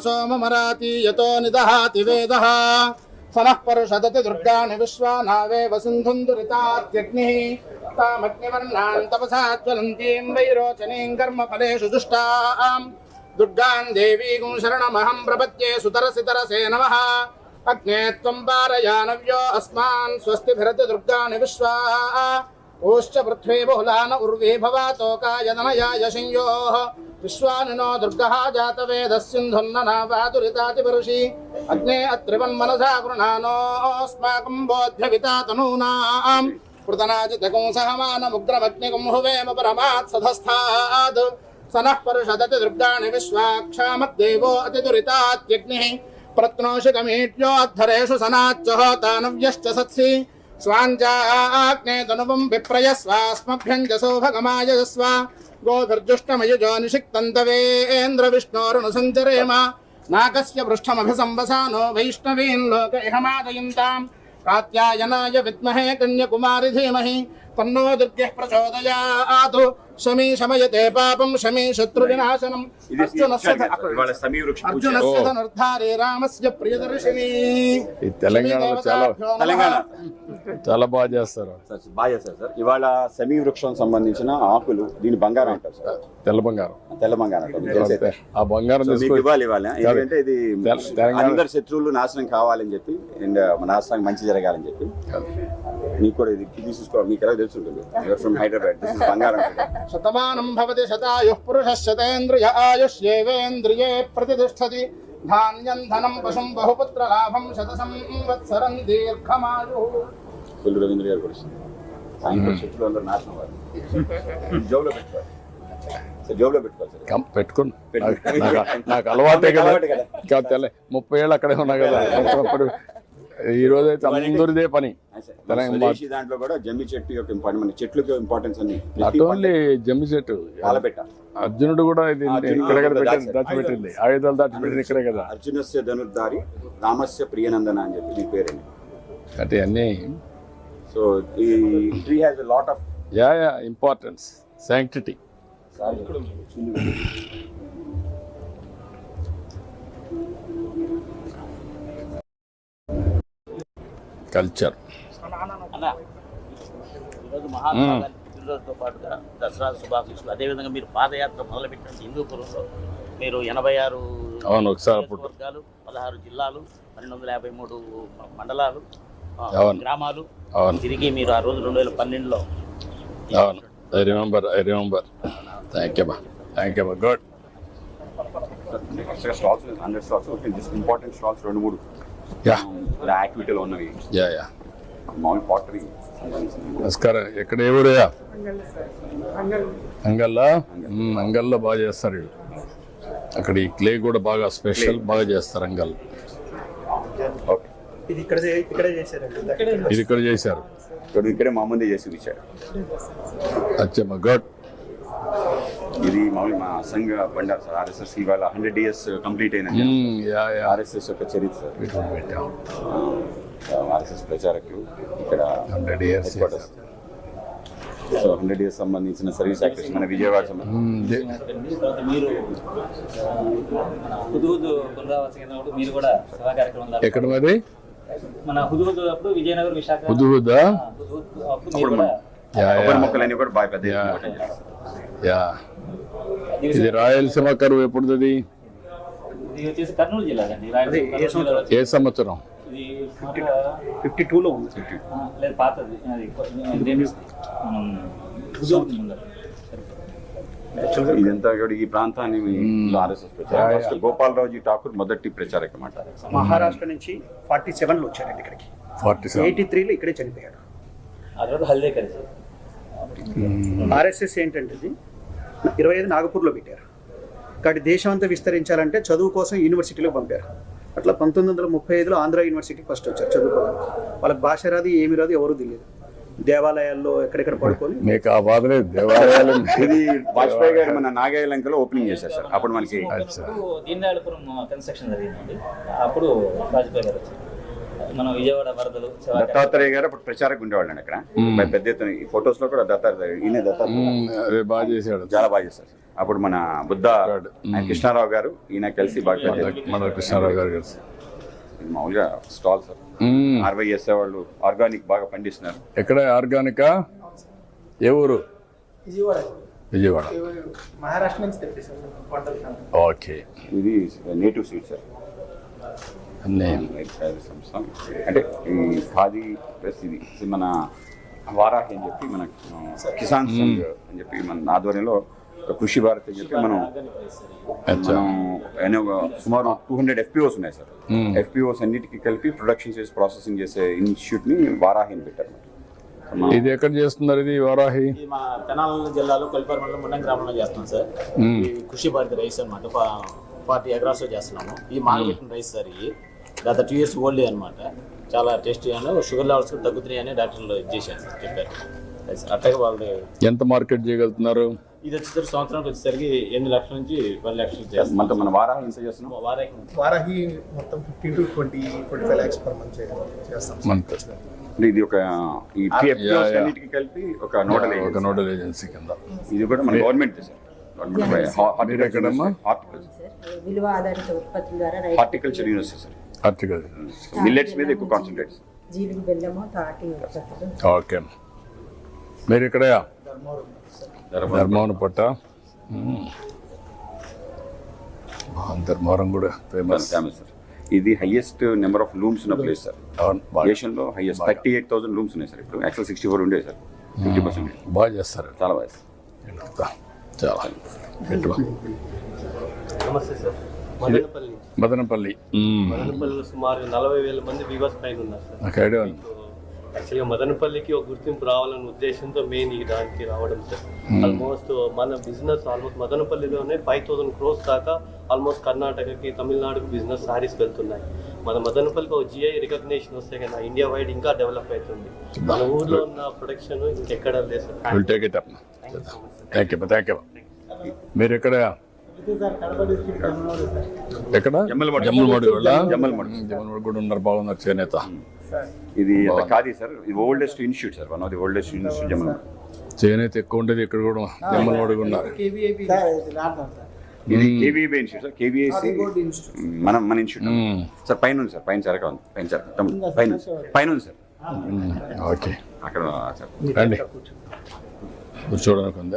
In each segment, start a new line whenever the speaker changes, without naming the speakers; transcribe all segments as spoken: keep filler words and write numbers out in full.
सोममराति यतो निदहाति वेदः सनः परुषदति दुर्गाणि विश्वानावेव सिन्धुं दुरितात्यग्निः तामग्निवर्णान् तपसा ज्वलन्तीं वैरोचनीं कर्मफलेषु दुष्टां दुर्गां देवीं शरणमहं प्रपद्ये सुतरसितरसे नमः अग्ने त्वं पारयानव्यो अस्मान् स्वस्तिभिरति दुर्गाणि विश्वा ओश्च पृथ्वी बहुलान उर्वी भवातोकायदनयाय संयोः विश्वानिनो दुर्गः जातवेदस्सिन्धुन्ननावादुरितातिपरुषि अग्ने अत्रिवन्मनसा गृह्णानोऽस्माकं बोध्यविता तनूनां कृतनाजितकं सहमानमुग्रमग्निकं हुवेम परमात् सधस्थाद् सनः परुषदति दुर्गाणि विश्वाक्षामद्देवो अतिदुरितात्यग्निः प्रत्नोषिकमीट्योद्धरेषु सनाच्च होतानव्यश्च सत्सि स्वाञ्चाग्ने तनुवं विप्रयस्वास्मभ्यञ्जसो भगमायजस्व गोभिर्जुष्टमयुजो निषिक्तन्तवेन्द्रविष्णोरुणसञ्चरेम नाकस्य पृष्ठमभिसंवसानो वैष्णवीन् लोक इहमादयन्ताम् कात्यायनाय विद्महे कन्याकुमारी धीमहि तन्नो दुर्गः प्रचोदयात् शमी शमयते पापं शमी शत्रुविनाशनम् अर्जुनस्य अर्जुनस्य धनुर्धारे रामस्य प्रियदर्शिनी
ఈ తెలంగాణలో చాలా
తెలంగాణ
చాలా బాగా చేస్తారు
సార్ బాగా చేస్తారు సార్. ఇవాళ సెమీ వృక్షం సంబంధించిన ఆకులు దీని బంగారం అంటారు సార్.
తెల్ల బంగారం
తెల్ల బంగారం అంటారు. మీకు తెలిసే.
ఆ బంగారం
సో మీకు
తీసుకొని
ఇవ్వాలి ఇవాళ ఎందుకంటే ఇది
తెలంగాణ
అందరు శత్రువులు నాశనం కావాలని చెప్పి అండ్ మన రాష్ట్రానికి మంచి జరగాలని చెప్పి మీకు కూడా ఇది తీసుకోవాలి. మీకు ఎలా తెలుసుంటుంది ఫ్రమ్ హైదరాబాద్ దిస్ ఇస్ బంగారం.
శతమానం భవతి శతాయుః పురుషः శతేంద్రియ ఆయుష్యేవేంద్రియే ప్రతిష్టతి ధాన్యం ధనం పశుం బహుపుత్ర లాభం శత సంవత్సరం దీర్ఘమాయుః.
కొల్లు రవీంద్ర గారు కూడా ఆయన శత్రువులు అందరూ నాశనం అవ్వాలి. జోబులో పెట్టుకోవాలి సార్, జోబులో పెట్టుకోవాలి సార్.
కం- పెట్టుకుని నాకు- నాకు అలవాటే కదా ఇంకా తెల్ల ముప్పై ఏళ్ళు అక్కడే ఉన్నా కదా అప్పుడు ఈ రోజు అయితే అందరిదే పని తెలంగాణ
స్వదేశీ దాంట్లో కూడా జమ్మి చెట్టు యొక్క ఇంపార్టెంట్ మన చెట్లకు ఇంపార్టెన్స్ అన్ని
నాట్ ఓన్లీ జమ్మి చెట్టు
పాలపెట్ట
అర్జునుడు కూడా ఇది ఇక్కడెక్కడ పెట్టింది దాచిపెట్టింది ఆయుధాలు దాచిపెట్టింది ఇక్కడే కదా
అర్జునస్య ధనుర్ధారి రామస్య ప్రియనందన అని చెప్పి మీ పేరండి.
అంటే అన్నీ
సో ఈ tree has a lot of
yeah yeah importance sanctity culture
అన్న ఈరోజు మహాత్మా గాంధీ పుట్టినరోజుతో పాటుగా దసరా శుభాకాంక్షలు. అదేవిధంగా మీరు పాదయాత్ర మొదలుపెట్టిన హిందూపురంలో మీరు ఎనభై ఆరు
అవును ఒకసారి అప్పుడు
వర్గాలు పదహారు జిల్లాలు పన్నెండు వందల యాభై మూడు మండలాలు ఆ,
అవును.
గ్రామాలు
అవును
తిరిగి మీరు ఆ రోజు రెండు వేల పన్నెండులో
అవును I remember I remember thank you బా థ్యాంక్ యూ బా good
stalls hundred stalls just important stalls రెండు మూడు
యా
యాక్టివిటీలో ఉన్నవి
యా యా
మామూలు పాటరీ
నమస్కారం ఎక్కడ ఏ ఊరయ్యా అంగల్లా మ్మ్, అంగల్లో బాగా చేస్తారు వీళ్ళు. అక్కడ ఈ క్లే కూడా బాగా స్పెషల్ బాగా చేస్తారు అంగల్
ఓకే
ఇది ఇక్కడ ఇక్కడే చేశారండి.
ఇది ఇక్కడ చేశారు
ఇక్కడ ఇక్కడే మా ముందే చేసి ఇచ్చారు.
అచ్చమ్మా గుడ్
ఇది మామూలు మా సంఘ బండారు సార్ ఆర్ఎస్ఎస్ ఇవాళ హండ్రెడ్ ఇయర్స్ కంప్లీట్ అయిన
మ్మ్, యా యా
ఆర్ఎస్ఎస్ యొక్క చరిత్ర సార్.
వీటిని పెట్టాం
ఆర్ఎస్ఎస్ ప్రచారకులు ఇక్కడ
hundred years
headquarters. So hundred years సంబంధించిన సర్వీస్ యాక్టర్స్ మన విజయవాడ సంబంధించి
తర్వాత మీరు హుదుహుదు పునరావాస కేంద్రం మీరు కూడా సభా కార్యక్రమం
ఎక్కడ మరి
మన హుదుహుదు అప్పుడు విజయనగరం విశాఖ
హుదుహుదా
హుదుహుదు అప్పుడు మీరు కూడా
యా
కొబ్బరి
యా
మొక్కలన్నీ కూడా బాగా పెద్ద
యా.
ఎత్తున చేస్తారు.
యా ఇది రాయలసీమ కరువు ఎప్పుడుది
ఇది వచ్చేసి కర్నూలు జిల్లా అండి రాయలసీమ కర్నూలు జిల్లాలో
ఏ సంవత్సరం
ఇది
ఫిఫ్టీ టూలో ఉంది.
ఆ, లేదు పాతది అది దేని మనం హుదుహుదు ముందర.
ఇదంతా కూడా ఈ ప్రాంతాన్ని ఆర్ఎస్ఎస్ ప్రచారం ఫస్ట్ గోపాలరావుజీ ఠాకూర్ మొదటి ప్రచారక మాట.
మహారాష్ట్ర నుంచి ఫార్టీ సెవెన్లో వచ్చారండి ఇక్కడికి.
ఫార్టీ సెవెన్
ఎయిటీ త్రీలో ఇక్కడే చనిపోయాడు.
ఆ తర్వాత హల్దే కలిసి
ఆర్ఎస్ఎస్ ఏంటంటే ఇది ఇరవై ఐదు నాగపూర్లో పెట్టారు. కాబట్టి దేశం అంతా విస్తరించాలంటే చదువు కోసం యూనివర్సిటీలో పంపారు. అట్లా పంతొమ్మిది వందల ముప్పై ఐదులో ఆంధ్ర యూనివర్సిటీకి ఫస్ట్ వచ్చారు చదువుకోవడానికి. వాళ్ళకి భాష రాదు ఏమి రాదు ఎవరు తెలియదు. దేవాలయాల్లో ఎక్కడెక్కడ పడుకొని
మీకు ఆ బాధ లేదు దేవాలయాలు
ఇది వాజ్పేయి గారు మన నాగాయలంకలో ఓపెనింగ్ చేశారు సార్. అప్పుడు మనకి
దీన్ దయాళపురం కన్స్ట్రక్షన్ జరిగిందండి. అప్పుడు వాజ్పేయి గారు వచ్చారు.
మన విజయవాడ వరదలు శివ-
దత్తాత్రేయ గారు అప్పుడు ప్రచారకు ఉండేవాళ్ళండి అక్కడ మరి పెద్ద ఎత్తున ఈ ఫొటోస్ లో కూడా దత్తాత్రేయ ఈయన దత్తాత్రేయ
ఉమ్, అదే బాగా చేశాడు
చాలా బాగా చేస్తారు సార్. అప్పుడు మన బుద్ధ ఆయన కృష్ణారావు గారు ఈయన కలిసి బాగా పెద్ద ఎత్తున
మన కృష్ణారావు గారు కలిసి
ఇది మామూలుగా స్టాల్ సార్
ఉమ్,
ఆర్వై చేసే వాళ్ళు ఆర్గానిక్ బాగా పండిస్తున్నారు.
ఎక్కడ ఆర్గానికా ఏ ఊరు విజయవాడ
మహారాష్ట్ర నుంచి తెప్పిస్తాం పంటలు.
ఓకే
ఇది నేటివ్ సీడ్ సార్
అన్నీ
సంస్థ అంటే ఈ ఖాదీ ప్లస్ ఇది ఇది మన వారాహి అని చెప్పి మన ఆ, కిసాన్ సంఘ్ అని చెప్పి మన ఆధ్వర్యంలో ఒక కృషి భారత్ అని చెప్పి మనం
అచ్చా
మనం ఎన్నో సుమారు టూ హండ్రెడ్ ఎఫ్పిఓస్ ఉన్నాయి సార్. ఎఫ్పిఓస్ అన్నిటికీ కలిపి ప్రొడక్షన్ చేసి ప్రాసెసింగ్ చేసే ఇన్స్టిట్యూట్ ని వారాహి అని పెట్టారు.
ఇది ఎక్కడ చేస్తున్నారు ఇది వారాహి
ఇది మా తెనాలి జిల్లాలో కొల్లిపారు మండలం మున్నం గ్రామంలో చేస్తున్నాం సార్. ఈ కృషి భారతి రైస్ అనమాట ఫార్టీ ఎకరాస్ లో చేస్తున్నాము. ఈ మాగబెట్టిన రైస్ సార్ ఇది గత టూ ఇయర్స్ ఓల్డ్ అనమాట. చాలా టేస్టీ అని షుగర్ లెవెల్స్ కూడా తగ్గుతున్నాయి అని డాక్టర్లు ఇది చేశారు సార్, చెప్పారు. అట్లాగే వాళ్ళు
ఎంత మార్కెట్ చేయగలుగుతున్నారు?
ఇది వచ్చేసరికి సంవత్సరానికి వచ్చేసరికి ఎనిమిది లక్షల నుంచి పది లక్షలు చేస్తాం.
మన మన వారాహి ఎంత చేస్తున్నాం?
వారానికి
వారాహి మొత్తం fifteen to twenty twenty five lakhs per month చేస్తాం.
మంత్
అంటే ఇది ఒక ఈ ఎఫ్పిఓస్ అన్నిటికీ కలిపి ఒక నోడల్
ఒక
ఏజెన్సీ.
నోడల్ ఏజెన్సీ కింద.
ఇది కూడా మన గవర్నమెంట్ సార్. గవర్నమెంట్
మీరు ఎక్కడమ్మా?
హార్టికల్చర్
విలువ ఆధారిత ఉత్పత్తుల ద్వారా
horticulture university sir.
Article
millets మీద ఎక్కువ కాన్సన్ట్రేట్.
జీలుగు బెల్లము తాటి ఉత్పత్తులు.
ఓకే మీరు ఇక్కడ ధర్మవరం పట్ట ఉమ్. ధర్మవరం కూడా ఫేమస్.
Famous sir. ఇది హైయెస్ట్ నెంబర్ ఆఫ్ లూమ్స్ ఉన్న ప్లేస్ సార్.
అవును, బాగా
దేశంలో highest thirty eight thousand looms ఉన్నాయి సార్. ఇప్పుడు యాక్చువల్ సిక్స్టీ ఫోర్ ఉండే సార్. ఫిఫ్టీ పర్సెంట్
బాగా చేస్తారు.
చాలా బాగా సార్.
ఎంత? చాలా ఎట్లా?
నమస్తే సార్. మదనపల్లి
మదనపల్లి ఉమ్.
మదనపల్లిలో సుమారు నలభై వేల మంది వివాస్ పైన ఉన్నారు సార్.
నాకు ఐడియా ఉంది.
యాక్చువల్గా మదనపల్లికి ఒక గుర్తింపు రావాలనే ఉద్దేశంతో మెయిన్ ఈ దానికి రావడం సార్. ఆల్మోస్ట్ మన బిజినెస్ ఆల్మోస్ట్ మదనపల్లిలోనే ఫైవ్ థౌసండ్ క్రోర్స్ దాకా ఆల్మోస్ట్ కర్ణాటకకి తమిళనాడుకి బిజినెస్ సారీస్ వెళ్తున్నాయి. మన మదనపల్లికి ఒక జిఐ రికగ్నేషన్ వస్తే కదా ఇండియా వైడ్ ఇంకా డెవలప్ అవుతుంది. మన ఊర్లో ఉన్న ప్రొడక్షన్ ఇంకెక్కడ లేదు sir.
Will take it up. Thank you thank you. మీరు ఎక్కడ ఎక్కడ
జమ్మలమడుగు.
జమ్మలమడుగు కూడా
జమ్మలమడుగు.
జమ్మలమడుగు కూడా ఉన్నారు, బాగున్నారు చేనేత.
ఇది అంత కాదు సార్. ఇది oldest institute sir. One of the oldest institute Jammalamadugu.
చేనేత ఎక్కువ ఉండేది ఇక్కడ కూడా జమ్మలమడుగు ఉన్నారు.
ఇది కేవీఐబీ ఇన్స్టిట్యూట్ సార్. కేవీఐసి మన మన ఇన్స్టిట్యూట్
మ్మ్.
సార్. పైన ఉంది సార్. పైన చెరక ఉంది. పైన చెరక తమ్ముడు. పైన ఉంది. పైన ఉంది సార్.
మ్మ్. ఓకే
అక్కడ సార్.
రండి కూర్చోవడానికి ఉందా?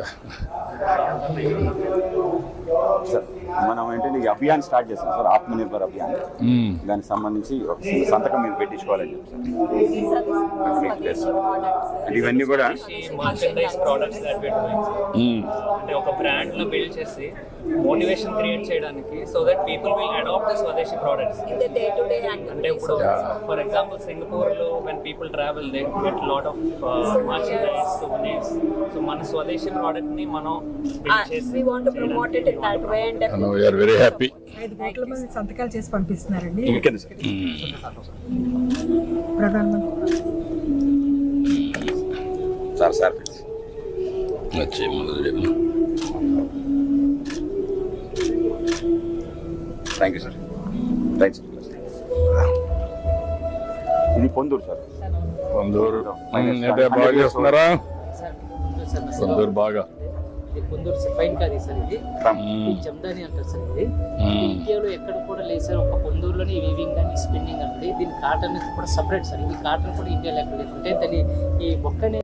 సార్ మనం ఏంటంటే ఈ అభియాన్ స్టార్ట్ చేస్తాం సార్. ఆత్మనిర్భర్ అభియాన్.
మ్మ్.
దానికి సంబంధించి ఒక సంతకం మీద పెట్టించుకోవాలని చెప్పి సార్. అంటే ఇవన్నీ కూడా
merchandise products that we doing.
Hmm.
అంటే ఒక బ్రాండ్ లో బిల్డ్ చేసి మోటివేషన్ క్రియేట్ చేయడానికి so that people will adopt the swadeshi products. అంటే ఇప్పుడు ఫర్ ఎగ్జాంపుల్ సింగపూర్ లో when people travel they get lot of merchandise souvenirs. So మన స్వదేశీ ప్రోడక్ట్ ని మనం బిల్డ్ చేసి
We want to promote it in that way and
And we are very happy.
ఐదు కోట్ల మంది సంతకాలు చేసి పంపిస్తున్నారండి
ఇంకెందుకు సార్?
ప్రధానమంత్రి.
సార్ సార్
వచ్చి మొదలు
థ్యాంక్ యూ సార్. థ్యాంక్స్. ఇది పొందూరు సార్.
పొందూరు అంటే బాగా చేస్తున్నారా? పొందూరు బాగా
కొందరు సిఫైన్ కాదు సార్. ఇది
మ్మ్.
జమ్దాని అంటారు సార్. ఇది
మ్మ్.
ఇండియాలో ఎక్కడ కూడా లేదు సార్. ఒక పొందూరులోని వీవింగ్ కానీ స్పిన్నింగ్ అంటే దీని కాటన్ కూడా సపరేట్ సార్. ఇది కాటన్ కూడా ఇండియాలో ఎక్కడ లేదు. అంటే దాని ఈ మొక్కనే